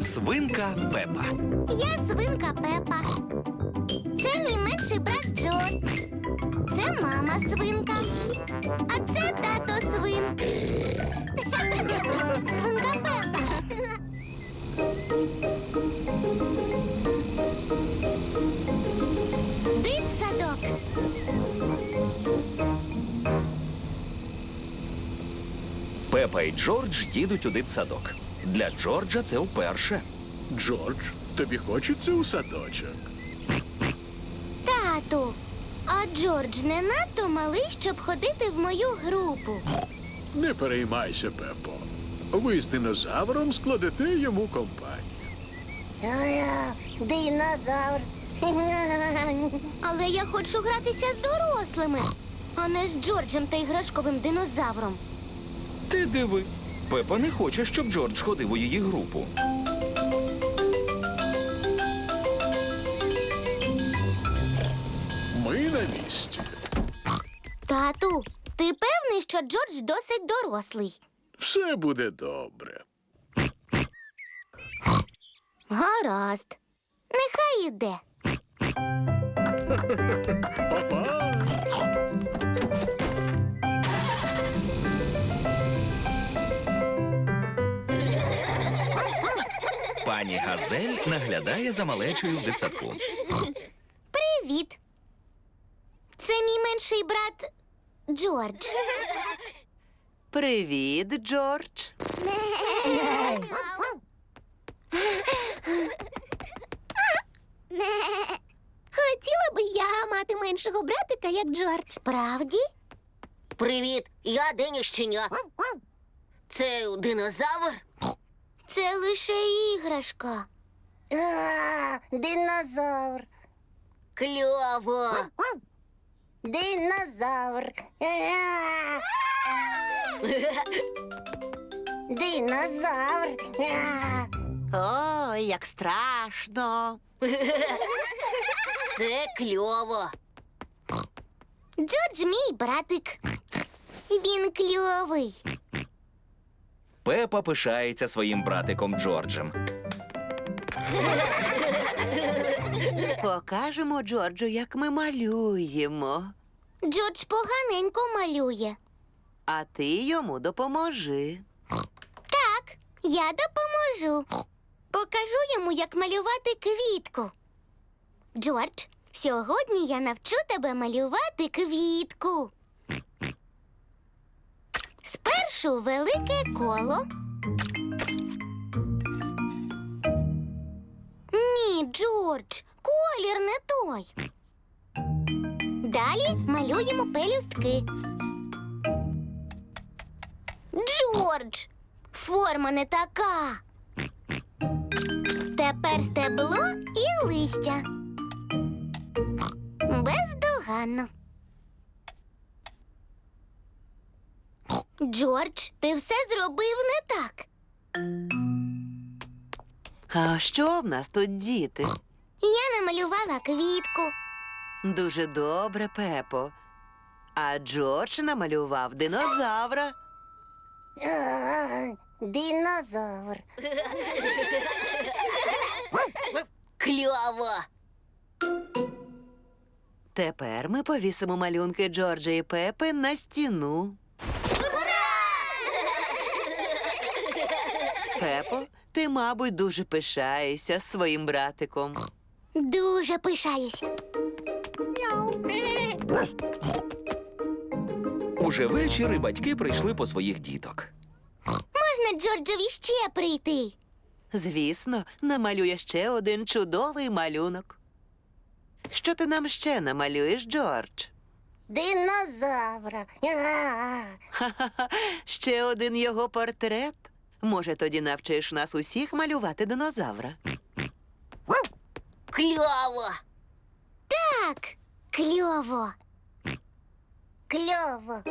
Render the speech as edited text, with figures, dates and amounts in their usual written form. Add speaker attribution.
Speaker 1: Свинка Пепа.
Speaker 2: Я свинка Пепа. Це мій менший брат Джо. Це мама свинка. А це тато свин. Свинка Пепа. Дитсадок.
Speaker 1: Пепа і Джордж їдуть у дитсадок. Для Джорджа це вперше.
Speaker 3: Джордж, тобі хочеться у садочок?
Speaker 2: Тату, а Джордж не надто малий, щоб ходити в мою групу.
Speaker 3: Не переймайся, Пепо. Ви з динозавром складете йому компанію.
Speaker 2: Динозавр. Але я хочу гратися з дорослими, а не з Джорджем та іграшковим динозавром.
Speaker 1: Ти диви. Пепа не хоче, щоб Джордж ходив у її групу.
Speaker 3: Ми на місці.
Speaker 2: Тату, ти певний, що Джордж досить дорослий?
Speaker 3: Все буде добре.
Speaker 2: Гаразд. Нехай іде.
Speaker 3: Па-па!
Speaker 1: Пані Газель наглядає за малечою в дитсадку.
Speaker 2: Привіт. Це мій менший брат Джордж.
Speaker 4: Привіт, Джордж.
Speaker 2: Хотіла би я мати меншого братика, як Джордж. Справді?
Speaker 5: Привіт, я Деня Щеня. Це динозавр?
Speaker 2: Це лише іграшка.
Speaker 5: Динозавр. Кльово. Динозавр. Динозавр.
Speaker 4: Ой, як страшно.
Speaker 5: Це кльово.
Speaker 2: Джордж мій братик. Він кльовий.
Speaker 1: Пепа пишається своїм братиком Джорджем.
Speaker 4: Покажемо Джорджу, як ми малюємо.
Speaker 2: Джордж поганенько малює.
Speaker 4: А ти йому допоможи.
Speaker 2: Так, я допоможу. Покажу йому, як малювати квітку. Джордж, сьогодні я навчу тебе малювати квітку. Спершу велике коло. Ні, Джордж, колір не той. Далі малюємо пелюстки. Джордж, форма не така. Тепер стебло і листя. Бездоганно. Джордж, ти все зробив не так.
Speaker 4: А що в нас тут, діти?
Speaker 2: Я намалювала квітку.
Speaker 4: Дуже добре, Пепо. А Джордж намалював динозавра.
Speaker 5: Динозавр. Кльово.
Speaker 4: Тепер ми повісимо малюнки Джорджа і Пепи на стіну. Пепо, ти, мабуть, дуже пишаєшся своїм братиком.
Speaker 2: Дуже пишаюся.
Speaker 1: Уже вечір і батьки прийшли по своїх діток.
Speaker 2: Можна Джорджові ще прийти?
Speaker 4: Звісно, намалює ще один чудовий малюнок. Що ти нам ще намалюєш, Джордж?
Speaker 5: Динозавра.
Speaker 4: Ха-ха-ха, ще один його портрет. Може, тоді навчиш нас усіх малювати динозавра?
Speaker 5: Кльово.
Speaker 2: Так, кльово.
Speaker 5: Кльово.